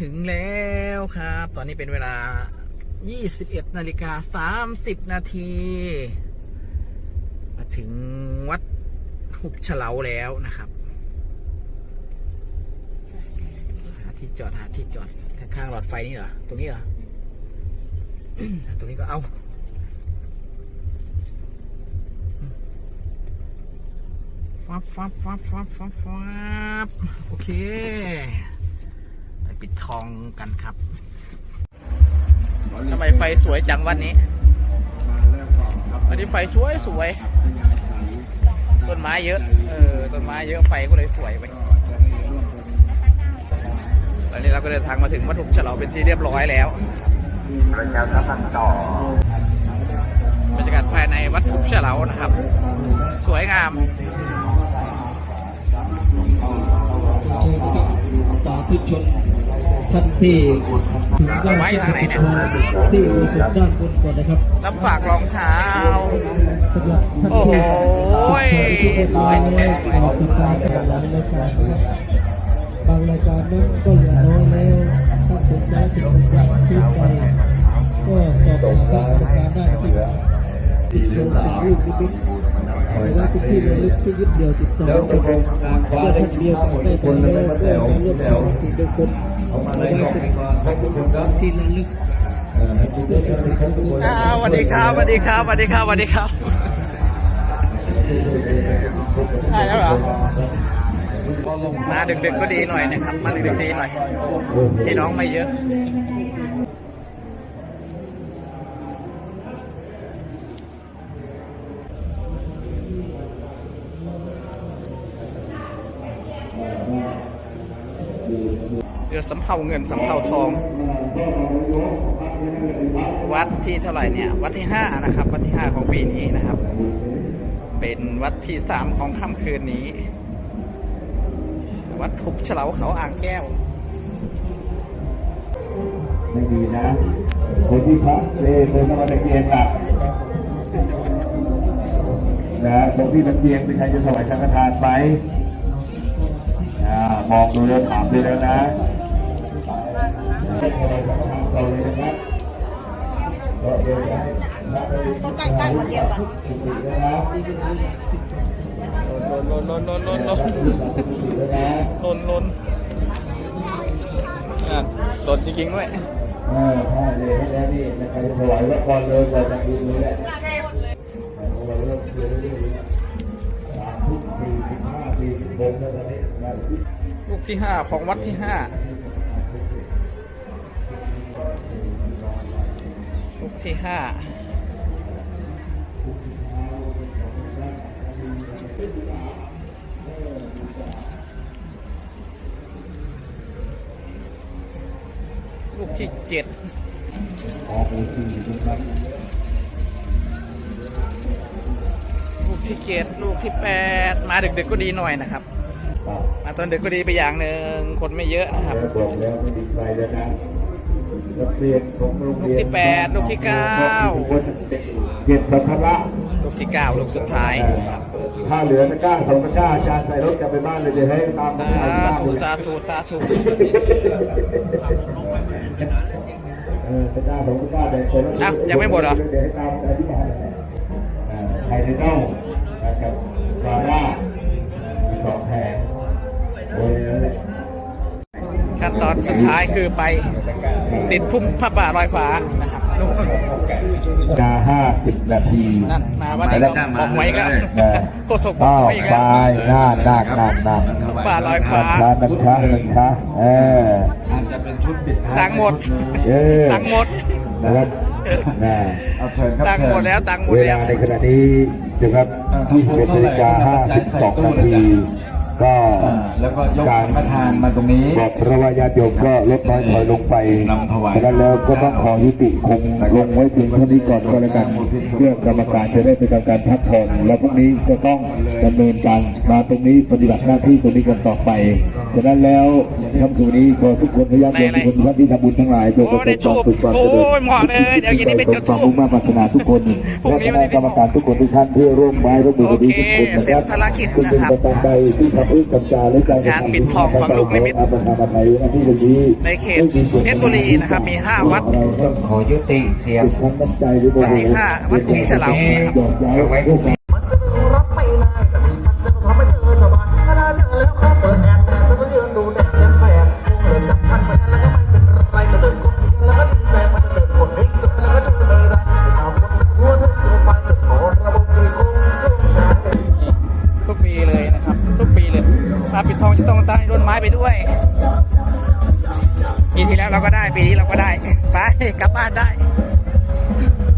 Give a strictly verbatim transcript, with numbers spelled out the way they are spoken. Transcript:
ถึงแล้วครับตอนนี้เป็นเวลายี่สิบเอ็ดนาฬิกาสามสิบนาทีมาถึงวัดหุบเฉลาแล้วนะครับหาที่จอดหาที่จอดข้างๆหลอดไฟนี่เหรอตรงนี้เหรอ ตรงนี้ก็เอาฟับฟับฟับฟับฟับฟับโอเคไปปิดทองกันครับทำไมไฟสวยจังวันนี้วันนี้ไฟสวยสวยต้นไม้เยอะเออต้นไม้เยอะไฟก็เลยสวยไปตอนนี้เราก็เดินทางมาถึงวัดหุบเฉลาเป็นที่เรียบร้อยแล้วบรรยากาศภายในวัดหุบเฉลานะครับ สวยงามสาธุชนท่านที่ถึงด้านที่อยู่ด้านบนก่อนนะครับรับฝากรองเท้าโอ้โหสวยสวยสวยบางรายการนั้นก็เหลือน้อยแล้วถ้าสนใจถึงการที่ไปก็สอบถามประการได้ที่ติดต่อจากรูปนิมิตหรือว่าที่ระลึกที่ยึดเดียวติดต่อกันเพื่อท่านเดียวกันได้คนแล้วเพื่อการเลือกตั้งที่เป็นคนไม่ได้เป็นที่ระลึกสวัสดีครับสวัสดีครับสวัสดีครับสวัสดีครับได้แล้วเหรอมาดึกๆก็ดีหน่อยนะครับมาดึกๆดีหน่อยพี่น้องไม่เยอะเรือสำเภาเงินสำเภาทองวัดที่เท่าไหร่เนี่ยวัดที่ห้านะครับวัดที่ห้าของปีนี้นะครับเป็นวัดที่สามของค่ำคืนนี้วัดหุบเฉลาเขาอ่างแก้วไม่ดีนะคนที่พระเลเคยมาตะเกียงหลักนะตรงที่ตะเกียงเป็นใครจะถวายสังฆทานไหมมองดูแล้วถามเลยแล้วนะเขาใกล้ๆคนเดียวกันลนลนลนลนลนลนลนอ่ะลนจริงๆด้วยเออใช่เลยแล้วนี่ใครจะถวายละครเลยจะดูเลยแหละลูกที่ห้าของวัดที่ห้าลูกที่ห้าลูกที่เจ็ดลูกที่เจ็ดลูกที่แปดมาดึกๆก็ดีหน่อยนะครับมาตอนดึกก็ดีไปอย่างหนึ่งคนไม่เยอะนะครับลูกที่แปดลูกที่เก้าเก็บสัมภาระลูกที่เก้าลูกสุดท้ายถ้าเหลือตะกร้าสองตะกร้าอาจารย์ใส่รถกลับไปบ้านเลยจะให้ตามสาธุสาธุสาธุตะกร้าสองตะกร้าแบ่งคนละยังไม่หมดเหรอไข่เน่านะครับปลาล่าสองแผงขั้นตอนสุดท้ายคือไปติดพุ่มพระบาทลอยฟ้านะครับกาห้าสิบนาทีนั่นมาว่าจะบอกไว้ก็โคศกบอกไว้ก็ไปหน้าหนักหนักหนักบาทลอยฟ้านักช้านักช้าเอออาจจะเป็นชุดปิดท้ายตังหมดตังหมดนะครับนะตังหมดแล้วตังหมดแล้วในขณะนี้นะครับยี่สิบเอ็ดนาฬิกาห้าสิบสองนาทีก็แล้วก็ยกการประทานมาตรงนี้บอกพระวายาโยมก็ลดน้อยถอยลงไปฉะนั้นแล้วก็ต้องขอยุติคงลงไว้เพียงเท่านี้ก่อนก็แล้วกันเพื่อกรรมการจะได้เป็นการพักผ่อนแล้วพรุ่งนี้จะต้องดำเนินการมาตรงนี้ปฏิบัติหน้าที่ตรงนี้กันต่อไปฉะนั้นแล้วคำสู่นี้ขอทุกคนพยายามทุกคนท่านที่ทำบุญทั้งหลายจงประสบความสุขความเจริญโอ้ยเหมาะเลยเดี๋ยวเย็นนี้ไปจุดธูปมุ่งมั่นปรารถนาทุกคนพรุ่งนี้ไม่ได้และคณะกรรมการทุกคนทุกท่านที่ร่วมไม้ร่วมมือกันทุกคนนะโอเคเสร็คจรับภารกิจคุณนะครับเป็นประการใดที่ทำเรื่องกัญชาและการงานปิดทองฝังลูกนิมิตอาประธานอภัยหน้าที่ตรงนี้ในเขตเพชรบุรีนะครับมีห้าวัดขอยุติเสียงทั้งน้ำใจด้วยวัดที่ห้าวัดกุฎีฉลามนะครับหยอดย้ายไว้ด้วยกันรับไม่ได้แต่มีพันจะทำให้เธอสบายถ้าได้เจอแล้วก็เปิดแอดแดดแล้วก็ยืนดูแดดเดินแผลเดินจับพันไปแล้วก็ไม่เป็นไรก็เดินคนเดียวแล้วก็ดึงแรงมันจะเดินคนเดียวแล้วก็ช่วยไม่ได้เอาคนทั่วเธอเกินไปเกิดขอระบบตีคงเครื่องใช้ทุกปีเลยนะครับ ทุกปีเลยมาปิดทองจะต้องใต้ต้นไม้ไปด้วยปีที่แล้วเราก็ได้ปีนี้เราก็ได้ไปกลับบ้านได้